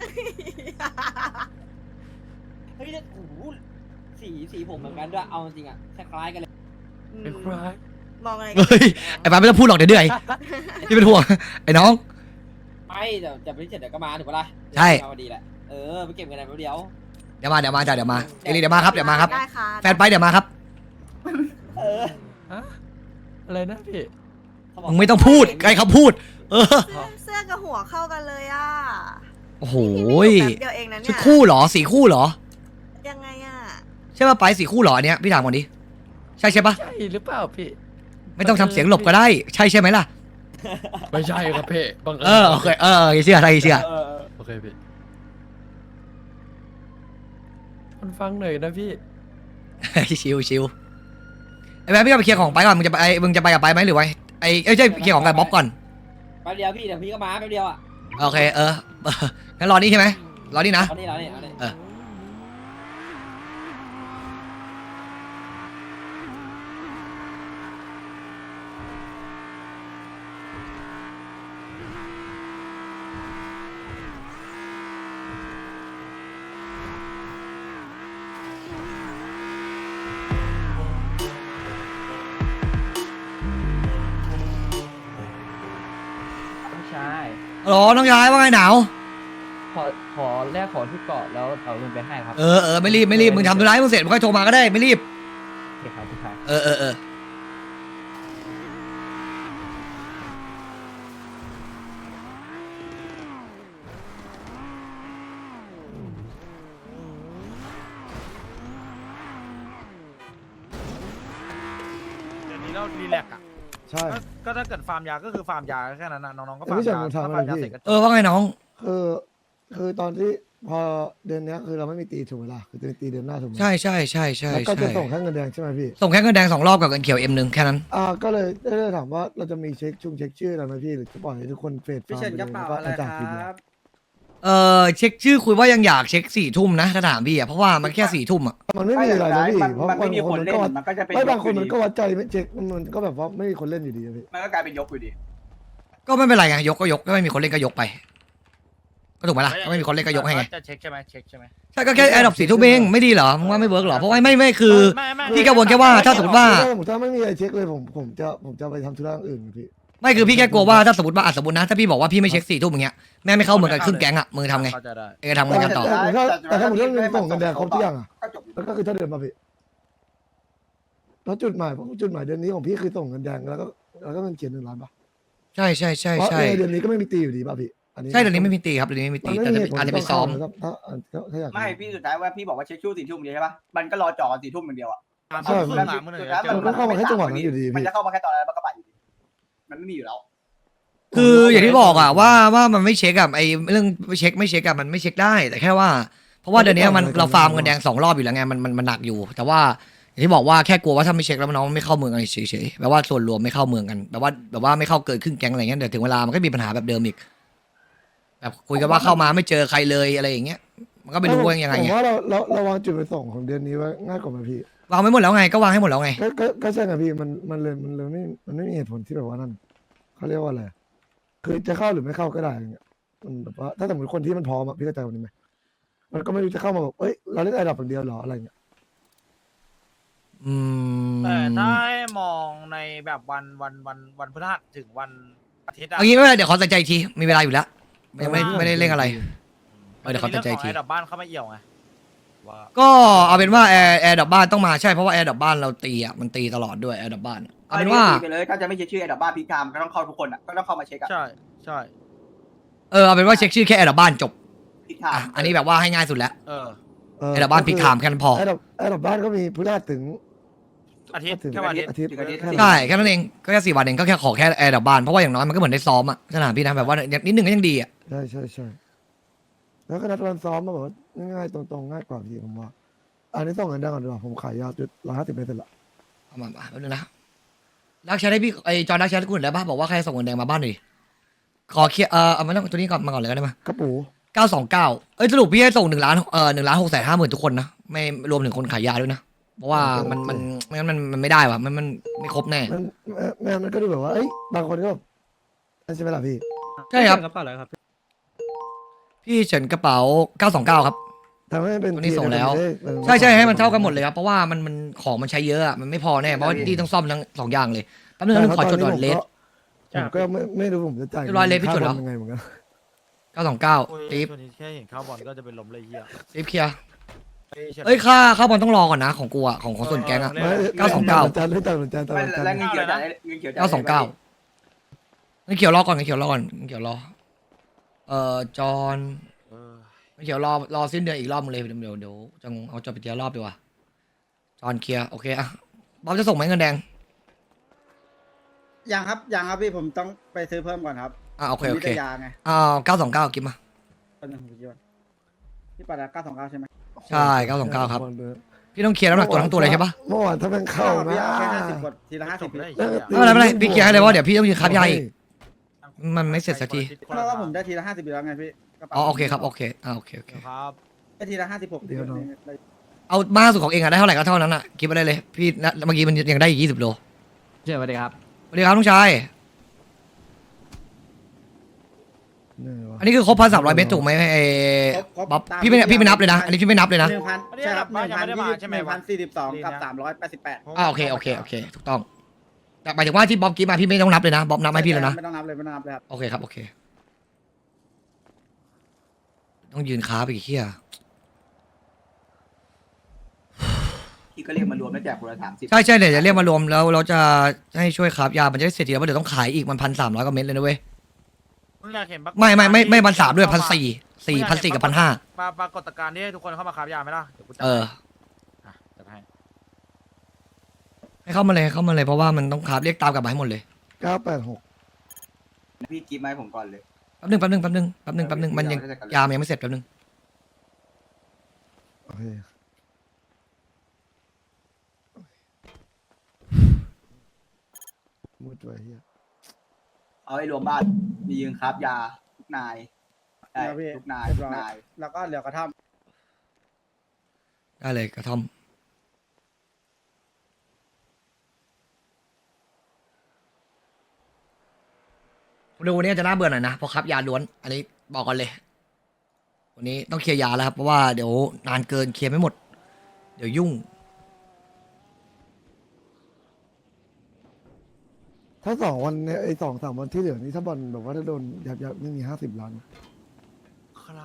Speaker 1: เฮ้ยโอ้โหสีสีผมเหมือนกันด้วยเอาจริงอ่ะคล้ายๆกันเลย
Speaker 5: อืม
Speaker 6: เป็นคราย
Speaker 5: มองอะไรกัน
Speaker 3: เฮ้ยไอ้ปาไม่ต้องพูดหรอกเดี๋ยวเหนื่อยพี่เป็นห่วงไอ้น้อง
Speaker 1: ไม่เดี๋ยวจะไปเสร็จเดี๋ยวก็มาถูกปะล่ะ
Speaker 3: ใช่
Speaker 1: มาพอดีแหละเออไปเก็บเงินในแป๊บเดียว
Speaker 3: เดี๋ยวมาเดี๋ยวมาจ้ะเดี๋ยวมาเอรีเดี๋ยวมาครับเดี๋ยวมาครับ
Speaker 5: ได้ค่ะ
Speaker 3: แฟนไปเดี๋ยวมาครับ
Speaker 1: เออ
Speaker 6: ฮะอะไรนะพี่
Speaker 1: เขาบก
Speaker 3: มึงไม่ต้องพูดใครเขาพูด เออ
Speaker 5: เสื้อกับหัวเข้ากันเลยอ่ะ
Speaker 3: โอ้โห
Speaker 5: นี่พี่อยู่แป๊บเดียวเองนะ
Speaker 3: ชุ
Speaker 5: เนี่
Speaker 3: ด
Speaker 5: ย
Speaker 3: คู่เหรอสีคู่เหรอ
Speaker 5: ยังไงอ่ะ
Speaker 3: ใช่ป่ะไปสีคู่เหรออันเนี้ยพี่ถามก่อนดิใช่ใช่ป่ะ
Speaker 6: ใช่หรือเปล่าพี่
Speaker 3: ไม่ต้องทำเสียงหลบก็ได้ ใช่ใช่ไหมล่ะ
Speaker 6: ไม่ใช่ครับพี่บัง
Speaker 3: เออโอเคเออเชื่อใครเชื่อ
Speaker 9: เออเออ
Speaker 6: โอเคพี่มันฟังหน่อยนะพี่
Speaker 3: ชิวชิวไอ้แม่พี่ก็ไปเคลียร์ของไปก่อนมึงจะไปไอ้มึงจะไปกับไปไหมหรือไงไอ้เอ้ยใช่เคลียร์ของกับบ๊อบก่อน
Speaker 1: แป๊บเดียวพี่เดี๋ยวพี่ก็มาแป๊บเดียวอ่ะ
Speaker 3: โอเคเออเอองั้นรอนี่ใช่ไหมรอนี่นะ
Speaker 1: เอานี่เอานี่เอานี่
Speaker 3: เออ
Speaker 10: ใช่
Speaker 3: ฮัลโหลน้องชายว่าไงหนาว
Speaker 10: ขอขอแลกของที่เกาะแล้วเอาเงินไปให้ครับ
Speaker 3: เออเออไม่รีบไม่รีบมึงทำธุระให้มึงเสร็จมึงค่อยโทรมาก็ได้ไม่รีบ
Speaker 10: โอเคครับพี่ชาย
Speaker 3: เออเออเออ
Speaker 9: เดี๋ยวนี้เรารีแลกซ์อ่ะ
Speaker 11: ใช่
Speaker 9: ก็ก็ถ้าเกิดฟาร์มยาก็คือฟาร์มยาแค่นั้นนะน้องๆก็
Speaker 11: แต่
Speaker 9: ฟาร์ม
Speaker 11: พี่เฉิน
Speaker 9: ยา
Speaker 11: มันทำ
Speaker 9: ถ้า
Speaker 11: อะไร
Speaker 9: ฟาร์มยา
Speaker 11: พี่
Speaker 9: เสร็จก็จ
Speaker 3: เอบ อว่าไงน้อง
Speaker 11: คือคือตอนที่พอเดือนเนี้ยคือเราไม่มีตีถูกไหมล่ะคือจะมีตีเดือนหน้าถูกไหม
Speaker 3: ใช่ใช่ใช่ใช่
Speaker 11: แล้วก็จะ
Speaker 3: ใช่
Speaker 11: ส่งแค่เงินแดงใช่ไหมพี่
Speaker 3: ส่งแค่เงินแดงสองรอบกับเงินเขียวเอ็มหนึ่งแค่นั้น
Speaker 11: อ่าก็เลยได้ได้ถามว่าเราจะมีเช็คชุ่มเช็คชื่ออะไรไหมพี่หรือจะปล่อยให้ทุกคนเฟด
Speaker 9: พี่เฉินกระเป๋าอะไร
Speaker 11: จ่าย
Speaker 9: ค
Speaker 11: ทีเดียว
Speaker 9: รับ
Speaker 3: เออเช็คชื่อคุยว่ายังอยากเช็คสี่ทุ่มนะถ้าถามพี่อ่ะเพราะว่ามันแค่สี่ทุ่มอ่ะ
Speaker 11: มันไม่มีอะไรนะพี่เพราะ
Speaker 8: มันไม่มีคนเล่น
Speaker 11: ก็วัด
Speaker 8: มันก็จะเป็น
Speaker 11: ไม่บางคน
Speaker 8: ย
Speaker 11: มัน
Speaker 8: ก
Speaker 11: ก็
Speaker 8: อยู่ดี
Speaker 11: วัดใจไม่เช็คมันมันก็แบบว่าไม่มีคนเล่นอยู่ดีอะพี่
Speaker 8: มันก็กลายเป็นยกอยู่ดี
Speaker 3: ก็ไม่เป็นไรไงยกก็ยกก็ไม่มีคนเล่นก็ยกไปก็ถูกไหมล่ะก็ไม่มีคนเล่นก็ยกให้ไง
Speaker 9: จะเช็คใช่ไหมเช็คใช่ไหม
Speaker 3: ใช่ก็แค่แอร์ดรอปสี่ทุ่มเองไม่ดีเหรอมึงว่าไม่เวิร์กเหรอเพราะว่าไม่ไม่คือ
Speaker 9: ไม่ไม่
Speaker 3: พี่กังวลแค่ว่าถ้าสมมติว่า
Speaker 11: ผมถ้าไม่มีอะไรเช็คเลยผมผมจะผมจะไปทำธุระอื่นพี่
Speaker 3: ไม่คือพี่แค่กลัวว่าถ้าสมมติว่าอ่ะสมมตินะถ้าพี่บอกว่าพี่ไม่เช็คสี่ทุ่มอย่างเงี้ยแม่งไม่เข้าเมืองกันครึ่งแก๊งอ่ะมือทำไง
Speaker 9: เข้าใจได้
Speaker 3: เองทำไงกันต่อ
Speaker 11: แต่ถ้าแต่ถ้าผมเรื่องเงินส่งเงินแดงครบทุกอย่างอ่ะ
Speaker 8: ก็จบ
Speaker 11: แล้วก็คือถ้าเดือนมาพี่แล้วจุดหมายผมจุดหมายเดือนนี้ของพี่คือส่งเงินแดงแล้วก็แล้วก็เงินเขียนหนึ่งล้านป่ะ
Speaker 3: ใช่ใช่ใช่
Speaker 11: เพราะ
Speaker 3: ใช่
Speaker 11: ในเดือนนี้ก็ไม่มีตีอยู่ดีป่ะพี่อันนี้
Speaker 3: ใช่เดี๋ยวนี้ไม่มีตีครับเดี๋ยวนี้ไม่มี
Speaker 11: มัน
Speaker 3: ตี
Speaker 11: ไม่
Speaker 3: แต่
Speaker 11: มี
Speaker 3: จะ
Speaker 11: เหตุผล
Speaker 3: อาจจะไปซ้อม
Speaker 11: ถ้าถ้าถ้าถ้าอยาก
Speaker 8: ไม่พี่สุดท้ายว่าพี่บอกว่าเช็คชู่สี่ทุ่มเดียวใช่ปะมันก็รอจ่อกันสี่ทุ่มอย่างเดียวอ่ะ
Speaker 11: ใช่
Speaker 9: ครึ่งหลังมันเลย
Speaker 8: สุดท้าย
Speaker 11: มันก็เข้ามาแค่จังหวะนั้นอยู่ดี
Speaker 8: มัน
Speaker 11: พี่
Speaker 8: จะเข้ามาแค่ตอนนั้นมันก็ไปอยู่ดีมันไม่มีอยู่แล้ว
Speaker 3: คืออย่างที่บอกอะว่าว่ามันไม่เช็คอะไอเรื่องไม่เช็คไม่เช็คอะมันไม่เช็คได้แต่แค่ว่า เพราะว่าเดี๋ยวนี้มันเราฟาร์มเงินแดงสองรอบอยู่แล้วไงมันมันมันหนักอยู่ แต่ว่าอย่างที่บอกว่าแค่กลัวว่าถ้าไม่เช็คแล้วน้องไม่เข้าเมืองกันเฉยๆแปลว่าส่วนรวมไม่เข้าเมืองกันแบบว่าแบบว่าไม่เข้าเกินครึ่งแก๊งอะไรเงี้ยเดี๋ยวถึงเวลามันก็มีปัญหาแบบเดิมอีกแบบคุยกันว่าเข้ามาไม่เจอใครเลยอะไรอย่างเงี้ยมันก็ไม่รู้ว่ายังไง
Speaker 11: ผม
Speaker 3: ไง
Speaker 11: ว่าเราเราเราวางจุดประสงค์ของเดือนนี้ไว้ง่ายกว่าไหมพี่
Speaker 3: วางไว้หมดแล้วไงก็วางให้หมดแล้วไง
Speaker 11: ก็ก็ก็ใช่ไงพี่มันมันเลยมันเลยไม่มันไม่มีเหตุผลที่แบบว่านั่นเขาเรียกว่าอะไรคือจะเข้าหรือไม่เข้าก็ได้อย่างเงี้ยมันแบบว่าถ้าสมมติคนที่มันพร้อมอะพี่เข้าใจวันนี้ไหมมันก็ไม่รู้จะเข้ามาแบบเอ้ยเราเล่นไอ้ดับอย่างเดียวเหรออะไรเงี้ย
Speaker 3: อืม
Speaker 9: แต่ถ้าให้มองในแบบวันวันวันวันพฤหัสถึงวันอาทิตย์อะ
Speaker 3: เอางี้ไม่เป็นไรเดี๋ยวขอตัดใจอีกทีมีเวลาอยู่แล้วยังไม่ไม่ได้เร่งอะไร เออเดี๋ยวเขาตัดใจอีกที
Speaker 9: เรื่องของไอ้ดับบ้านเข้ามาเอี่ยวไงว่า
Speaker 3: ก็เอาเป็นว่าแอร์แอร์ดับบ้านต้องมาใช่เพราะว่าแอร์ดับบ้านเราตีอ่ะมันตีตลอดด้วยแอร์ดับบ้านอะเอาเป็นว่า
Speaker 8: ไปเลยถ้าจะไม่เช็คชื่อไอ้ดับบ้าพีคามก็ต้องเข้าทุกคนอ่ะก็ต้องเข้ามาเช็คอ่ะ
Speaker 9: ใช่ใช่
Speaker 3: เออเอาเป็นว่าเช็คชื่อแค่แอร์ดับบ้านจบ
Speaker 8: พีคาม
Speaker 3: อ่ะอันนี้แบบว่าให้ง่ายสุดแล้ว
Speaker 9: เออ
Speaker 11: เออ
Speaker 3: แอร์ดับบ้านพิกถามแค่นั้นพอ
Speaker 11: ไอ้ดับไอ้ดับบ้านก็มีพฤหัสถึง
Speaker 9: อาทิตย์
Speaker 11: ถึง
Speaker 9: แค่วันอาทิตย์
Speaker 11: อาทิตย์
Speaker 8: ถึงอาทิตย์
Speaker 11: แค่นั้น
Speaker 3: ใช่แค่นั้นเองก็แค่สี่วันเองก็แค่ขอแค่แอร์ดับบ้านเพราะว่าอย่างน้อยมันก็เหมือนได้ซ้อมอ่ะสนามพี่นะแบบว่านิดนึงก็ยังดีอ่ะ
Speaker 11: ใช่ใช่ใช่แล้วก็นัดวันซ้อมมาแบบว่าง่ายๆตรงๆง่ายกว่าพี่ผมว่า อันนี้ส่งเงินได้ก่อนดีกว่าผมขายยาวจุดร้อยห้าสิบเมตรเสร็จละ
Speaker 3: เอามามาแป๊บนึงนะรักแชทให้พี่ไอจอรักแชทกูหน่อยได้ปะบอกว่าใครส่งเงินแดงมาบ้านหน่อยดิขอเคลียร์เออเอามาต้องตัวนี้ก่อนมาก่อนเลยก็ได้ไหม
Speaker 11: กระปู
Speaker 3: เก้าสองเก้าเอ้ยสรุปพี่ให้ส่งหนึ่งล้านเออหนึ่งล้านหกแสนห้าหมื่นทุกคนนะไม่รวมถึงคนขายยาด้วยนะเพราะว่ามันมันไม่งั้นมันมันไม่ได้ว่ะมันมันไม่ครบแน่
Speaker 11: มันแม่มันก็ดูแบบว่าเอ้ยบางคนก็แบบนั่นใช่ไหมล่ะพี่
Speaker 3: ใช่ครับ
Speaker 9: กระเป๋าอะไรครับ
Speaker 3: พี่เฉินกระเป๋าเก้าสองเก้าครับ
Speaker 11: ทำให้มันเป็น
Speaker 3: ตัวนี้ส่งแล้ว
Speaker 11: ทีเออ
Speaker 3: ใช่ใช่ให้มันเท่ากันหมดเลยครับเพราะว่ามันมันของมันใช้เยอะอะมันไม่พอแน่เพราะว่าที่ต้องซ่อมทั้งสองอย่างเลยแป๊บนึงนะขอจดก่อนเลส
Speaker 11: ผมก็ไม่ไม่รู้ผมจะจ่าย
Speaker 3: เรียบร้อยเลสพี่จดแล้ว
Speaker 11: ค่าบอยังไงเหมือนกัน
Speaker 3: เก้าสองเก้า
Speaker 9: โอ้ย
Speaker 3: ตีฟ
Speaker 9: ช่วงนี้แค่เห็นข้าวบอลก็จะเป็นลมเลยเฮีย
Speaker 3: ตีฟเคลียร์
Speaker 9: เอ้ยเฉิน
Speaker 3: เอ้ยค่าค่าบอลต้องรอก่อนนะของกูอะของของส่วนแก๊งอะ
Speaker 9: เออ
Speaker 3: เก้าสองเก้า
Speaker 11: จานเล่นจานจานจาน
Speaker 8: ไม่
Speaker 11: จาน
Speaker 8: แล้วเงินเขียวจ่ายเงินเขียวจ่าย
Speaker 3: เก้าสองเก้างั้นเขียวรอก่อนงั้นเขียวรอก่อนงั้นเขียวรอเอ่อจอน
Speaker 9: เออ
Speaker 3: งั้นเขียวรอรอสิ้นเดือนอีกรอบมึงเลยเดี๋ยวเดี๋ยวเดี๋ยวจะเอาจอไปเทียรอบดีกว่าจอนเคลียร์โอเคอะบ๊อบจะส่งไหมเงินแดง
Speaker 8: ยังครับยังครับพี่ผมต้องไปซื้อเพิ่มก่อนครับ
Speaker 3: อ่าโอเคโอเค
Speaker 8: ผมมีแต่ยาไง
Speaker 3: อ่าเก้าสองเก้ากิฟมา
Speaker 8: ตอนนึงผมคิดว่าพี่ปัดเก้าสองเก้าใช่ไหม
Speaker 3: ใช่เก้าสองเก้าครับ พี่ต้องเคลียร์น้ำหนักตัวทั้งตัวเลยใช่ปะ
Speaker 11: เมื่อวานถ้าแม่งเข้า
Speaker 8: พี่
Speaker 11: นะ
Speaker 8: เอาแค่ห้าสิบกดทีละห้าสิบพี่
Speaker 11: แล้วก็
Speaker 3: ไม่เป็นไรไม่เป็นไรพี่เคลียร์ให้เลยว่าเดี๋ยวพี่ต้องยืนครับยาอีกมันไม่เสร็จสักที
Speaker 8: เพราะว่าผมได้ทีละห้าสิบอยู่แล้วไงพี่กระป๋า
Speaker 3: อ๋อโอเคครับโอเคอ่าโอเคโอเค
Speaker 9: ครับ
Speaker 8: ได้ทีละห้าสิบหก
Speaker 11: เดี๋ยวน้อง
Speaker 3: เอามากสุดของเองอะได้เท่าไหร่ก็เท่านั้นอะกิฟไปได้เลยพี่นะเมื่อกี้มันยังได้อีกยี่สิบโล
Speaker 10: เชิญสวัสดีครับ
Speaker 3: สวัสดีครับลุงชาย
Speaker 11: เนี่ยวะ
Speaker 3: อันนี้คือครบพันสามร้อยเมตรถูกไหมไอ้บ๊อบพี่ไม่พี่ไม่นับเลยนะอันนี้พี่ไม่นับเลยนะ
Speaker 8: หนึ่งพันใช่ครับหนึ่งพันยี่สิบหนึ่งพันสี่สิบสองกับสามร้อยแปดสิบแปด
Speaker 3: อ่าโอเคโอเคโอเคถูกต้องแต่หมายถึงว่าที่บ๊อบกิฟมาพี่ไม่ต้องนับเลยนะบ๊อบนับให้พี่แล้วนะ
Speaker 8: ไม่ต้องนับเลยไม่ต้องนับเลยครับ
Speaker 3: โอเคครับโอเค ต้องยืนค้าไปอีกเฮีย
Speaker 8: พี่ก็เรียกมารวมแล้วแจกคนละสามสิบ
Speaker 3: ใช่ใช่เดี๋ยวจะเรียกมารวมแล้วเราจะให้ช่วยคราฟยามันจะได้เสร็จทีแล้วเพราะเดี๋ยวต้องขายอีกมันพันสามร้อยกว่าเม็ดเลยนะเว้ย
Speaker 9: มึงอยากเห็นปรากฏ
Speaker 3: ไม่ไม่ไม่ไม่
Speaker 9: การณ์
Speaker 3: พันสามด้วย
Speaker 9: ที่
Speaker 3: พันสี่สี่พันสี่กับพันห้า
Speaker 9: ปราปรากฏการณ์ที่ให้ทุกคนเข้ามาคราฟยาไหมล่ะเดี๋ยวกูจัด
Speaker 3: เออ
Speaker 9: อ่ะจัดให้
Speaker 3: ให้เข้ามาเลยให้เข้ามาเลยเพราะว่ามันต้องคราฟเรียกตามกลับมาให้หมดเลย
Speaker 11: เก้าแปดหก
Speaker 8: พี่กิฟต์มาให้ผมก่อนเลย
Speaker 3: แป๊บนึงแป๊บนึงแป๊บนึงแป๊บนึงแป๊บนึงมันยังยามันยังไม่เสร็จแป๊บนึง
Speaker 11: โอเคมุดไว้เฮีย
Speaker 8: เอาให้รวมบ้านมียืนครับยาทุกนายได้ทุกนายทุกนายแล้วก็เหลือกระท่อม
Speaker 3: ได้เลยกระท่อมดูวันนี้จะน่าเบื่อหน่อยนะเพราะครับยาล้วนอันนี้บอกกันเลย วันนี้ต้องเคลียร์ยาแล้วครับเพราะว่าเดี๋ยวนานเกินเคลียร์ไม่หมด เดี๋ยวยุ่ง
Speaker 11: ถ้าสองวันเนี่ยไอ้สองสามวันที่เหลือนี่ถ้าบอลแบบว่าถ้าโดนยับยับนี่มีห้าสิบล้าน
Speaker 9: ครับ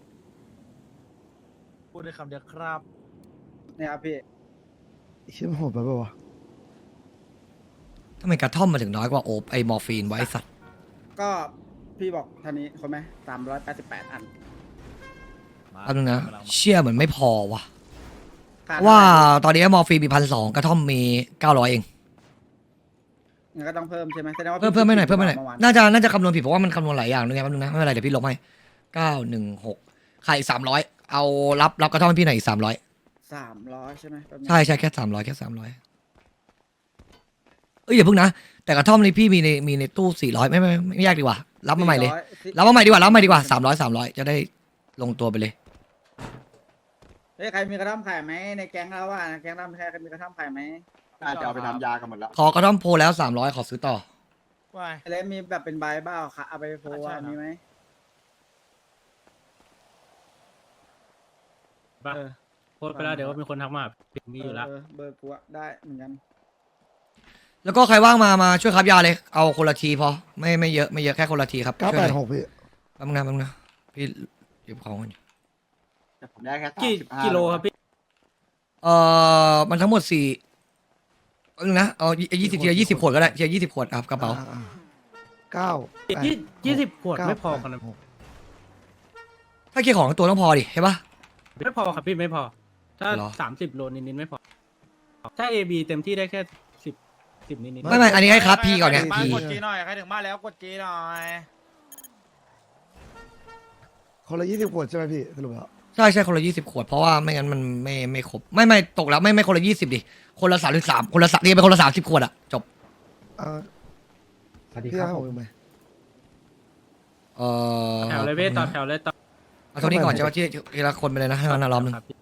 Speaker 9: พูดได้คำเดียวครับ
Speaker 8: เนี่ยครับพี่
Speaker 11: เชื่อมนโหดไปป่าวะ
Speaker 3: ทำไมกระท่อมมาถึงน้อยกว่าโอบไอมอร์ฟีนไว้สัตว์
Speaker 8: ก็พี่บอกท่านี้คนไหมสามร้อยแปดสิบแปดอัน
Speaker 3: แป๊บนึงนะเชี่ยเหมือนไม่พอว่ะ
Speaker 8: ขาด
Speaker 3: เพราะว่าตอนนี้มอร์ฟีนมีพันสองกระท่อมมีเก้าร้อยเอง
Speaker 8: งั้นก็ต้องเพิ่มใช่ไหมแสดงว่า
Speaker 3: เพิ่มเพิ่มไม่หน่อยเพิ่มไม่หน่อย
Speaker 8: มื่วาน
Speaker 3: น่าจะน่าจะคำนวณผิดเพราะว่ามันคำนวณหลายอย่างด้วยไงแป๊บนึงนะไม่เป็นไรเดี๋ยวพี่ลบให้เก้าหนึ่งหกขายอีกสามร้อยเอารับรับกระท่อมให้พี่หน่อยอีกสามร้อย
Speaker 8: สามร้อยใช่ไหมแป๊บนึง
Speaker 3: ใช่ใช่แค่สามร้อยแค่สามร้อยเอ้ยอย่าเพิ่งนะแต่กระท่อมนี้พี่มีในมีในตู้สี่ร้อยไม่ไม่ไม่ไม่ยากดีกว่ารับมาใหม่เลย
Speaker 8: สี่ร้อ
Speaker 3: รับมาใหม่ดีกว่ารับมาใหม่ดีกว่าสามร้อยสามร้อยจะได้ลงตัวไปเลย
Speaker 8: เฮ้ยใครมีกระท่อมขายไหมในแก๊งเราว่าแก๊งเราใครมีกระท่อมขายไหม
Speaker 9: น่าจะเอาไปทำยากันหมดแล้ว
Speaker 3: ขอกระท่อมโพลแล้วสามร้อยขอซื้อต่อ
Speaker 9: ว้าย
Speaker 8: แล้วมีแบบเป็นใบเบ้าค่ะเอาไปโพส
Speaker 9: ใช่ครับ
Speaker 8: มีไหมเออ
Speaker 10: โพสไปแล้วเดี๋ยวมีคนทักมามีอยู่แล้ว
Speaker 8: เออเบอร์กูอะได้เหมือนกัน
Speaker 3: แล้วก็ใครว่างมามาช่วยครับยาเลยเอาคนละทีพอไม่ไม่เยอะไม่เยอะแค่คนละทีครับ
Speaker 11: เก้า
Speaker 3: ช่วย
Speaker 11: แป
Speaker 3: ห
Speaker 11: ด
Speaker 3: น่อย
Speaker 11: หกพี่
Speaker 3: แป๊บนึงนะแป๊บนึงนะพี่หยิบของก่อน
Speaker 8: แต่ผมได้แค่
Speaker 10: กี่กิโลครับพี่
Speaker 3: เอ่อมันทั้งหมดสี่แป๊บนึงนะเอายี่สิบทีละยี่สิบขวดก็ได้ทีละยี่สิบขวดครับกระเป๋า
Speaker 11: อ่อ่เก้าแปด
Speaker 10: ยี่ยี่สิบขวด
Speaker 11: เก้า
Speaker 10: ไม่พอกัน
Speaker 11: แป
Speaker 10: นะ
Speaker 11: ดหก
Speaker 3: ถ้าเคลียร์ของทั้งตัวต้องพอดิใช่ปะ
Speaker 10: ไม่พอครับพี่ไม่พอ ถ้า
Speaker 3: เหรอ
Speaker 10: สามสิบโลนิดๆไม่พอ ถ้า เอ บี เต็มที่ได้แค่สิบสิบนิดๆ
Speaker 3: ไม่ไม่อันนี้ให้ครับพีก่อนไง
Speaker 9: ใครถึบ้า
Speaker 3: พี
Speaker 9: กดจีหน่อยใครถึงบ้านแล้วกดจีหน่อย
Speaker 11: คนละยี่สิบขวดใช่ไหมพี่สรุปแล้ว
Speaker 3: ใช่ใช่คนละยี่สิบขวดเพราะว่าไม่งั้นมันไม่ไม่ครบไม่ไม่ตกแล้วไม่ไม่คนละยี่สิบดิคนละสามสิบสามคนละสามนี่เป็นคนละสามสิบขวดอะจบ
Speaker 11: อ่า
Speaker 10: สวัสดี
Speaker 11: พี่
Speaker 10: ครับ
Speaker 11: ให้ผมไหม
Speaker 3: เออ
Speaker 10: แถวเลยเว้ยต่อแถวเลยต่อ
Speaker 3: เอาเท่านี้ก่อนใช่ปะที่ทีละคนไปเลยนะให้มันนะรอบนึง
Speaker 10: ครับพี่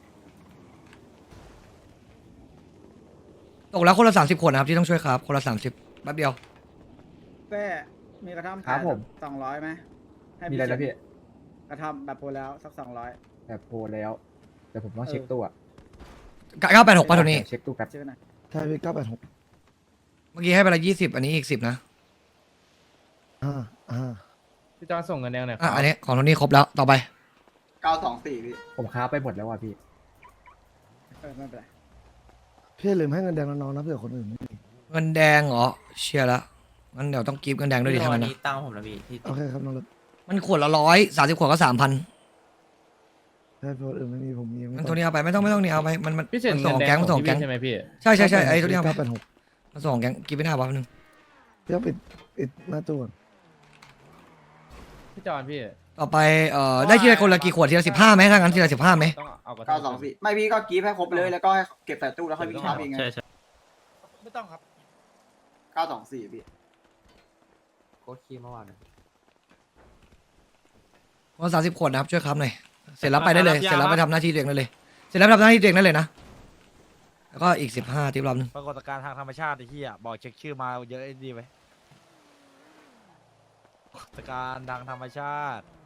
Speaker 3: ตกแล้วคนละสามสิบขวดนะครับที่ต้องช่วยครับคนละสามสิบแป๊บเดียว
Speaker 8: แป้มีกระท่อม
Speaker 10: ครับผม
Speaker 8: สองร้อยไหมให้
Speaker 10: มีอะไรนะพี่
Speaker 8: กระท่อมแบบโพสแล้วสักสองร้อย
Speaker 10: แบบโพแล้ว แต่ผมต้อง
Speaker 8: เช็คตู้อะ
Speaker 3: เก้าแปดหกป่ะเท่านี้
Speaker 10: เช็คตู้แป๊บ
Speaker 8: ชื่อหน่อย
Speaker 11: ใช่พี่เก้าแปดหก
Speaker 3: เมื่อกี้ให้ไปละยี่สิบอันนี้อีกสิบนะ
Speaker 11: อ่าอ่า
Speaker 10: พี่จอส่งเงินแดงหน่อย
Speaker 3: อ่ะอันนี้ของเท่านี้ครบแล้วต่อไป
Speaker 8: เก้าสองสี่พี่
Speaker 10: ผมค้าไปหมดแล้วว่ะพี่
Speaker 8: เออไม่เป็นไร
Speaker 11: พี่อย่าลืมให้เงินแดงน้องๆนะเผื่อคนอื่นไม่มี
Speaker 3: เงินแดงเหรอเชียร์ละงั้นเดี๋ยวต้องกิฟต์เงินแดงด้วยดิทั้งนั้นนะ
Speaker 10: ตั้งผมแล้วพี่ที่
Speaker 11: โอเคครับน้องเล็ก
Speaker 3: มันขวดละร้อยสามสิบขวดก็สามพัน
Speaker 11: ถ้าคนอื่นไม่มีผมมี
Speaker 3: มันตัวนี้เอาไปไม่ต้องไม่ต้องนี่เอาไปมันมัน
Speaker 10: พี่เฉิน
Speaker 3: มัน
Speaker 10: เงิ
Speaker 3: ส่ง
Speaker 10: นแด
Speaker 3: แก๊
Speaker 10: ง
Speaker 3: งมันส่งแก๊ง
Speaker 10: ใช่ไหมพี่
Speaker 3: ใช่ใช่ใช่ไอ้ตัวนี้เอาไป
Speaker 11: เก้าแปดหก
Speaker 3: มันส่งแก๊งกิฟต์ไปหน้าบ้านึง
Speaker 11: พี่ต้องปิดปิดหน้าตู้ก่อน
Speaker 6: พี่จอนพี่
Speaker 3: ต่อไปเอ่อได้ทีละคนละกี่ขวดทีละสิบห้าไหมถ้างั้นทีละสิบห้าไหม
Speaker 6: ต้องเอากระ
Speaker 8: เก้าสองสี่ไม่พี่ก็กรีฟให้ครบเลยแล้วก็ให้เก็บใส่ตู้แล้วค่อยวิ่งชาร์จเองไง
Speaker 10: ใช่ใช่
Speaker 9: ไม่ต้องครับ
Speaker 8: เก้าสองสี่พี่
Speaker 6: โค้ชคีเมื่อวาน
Speaker 3: วันสามสิบขวดนะครับช่วยครับหน่อยเสร็จแล้วไปได้เลยเสร็จแล้วไปทำหน้าที่ตัวเองได้เลยเสร็จแล้วไปทำหน้าที่ตัวเองได้เลยนะแล้วก็อีกสิบห้าทิปรอบนึง
Speaker 9: ปรากฏการณ์ทางธรรมชาติไอ้เหี้ยบอกเช็คชื่อมาเยอะไอ้ดีไหมปรากฏการณ์ทางธรรมชาติ